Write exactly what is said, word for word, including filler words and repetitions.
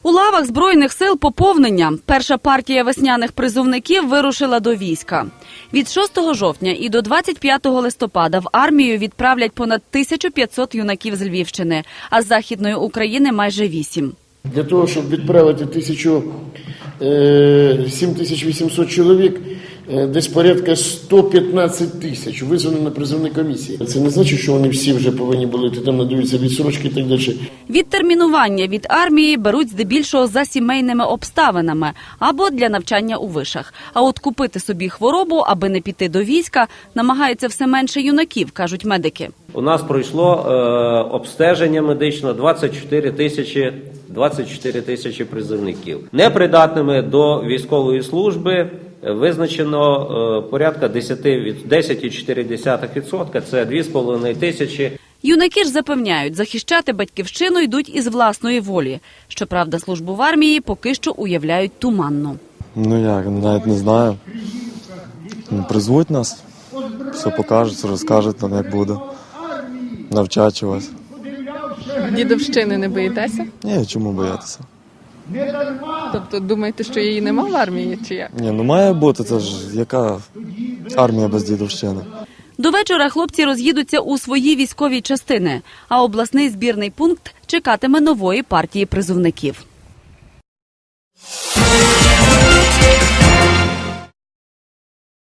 У лавах Збройних сил поповнення. Перша партія весняних призовників вирушила до війська. Від шостого жовтня і до двадцять п'ятого листопада в армію відправлять понад тисячу п'ятсот юнаків з Львівщини, а з Західної України – майже вісім. Для того, щоб відправити тисячу, сім тисяч вісімсот чоловік, десь порядка сто п'ятнадцять тисяч визвано на призовні комісії. Це не значить, що вони всі вже повинні були, там надаються відсрочки і так далі. Відтермінування від армії беруть здебільшого за сімейними обставинами або для навчання у вишах. А от купити собі хворобу, аби не піти до війська, намагається все менше юнаків, кажуть медики. У нас пройшло е, обстеження медично двадцять чотири тисячі, двадцять чотири тисячі призовників. Непридатними до військової служби визначено е, порядка десять цілих чотири десятих відсотка, це дві з половиною тисячі. Юнаки ж запевняють, захищати батьківщину йдуть із власної волі. Щоправда, службу в армії поки що уявляють туманно. Ну як, навіть не знаю. Призвуть нас, все покажуть, розкажуть нам, як буде. Навчать чогось. Дідовщини не боїтеся? Ні, чому боятися? Тобто думаєте, що її нема в армії, чи як? Ні, ну має бути, це ж яка армія без дідовщини? До вечора хлопці роз'їдуться у свої військові частини, а обласний збірний пункт чекатиме нової партії призовників.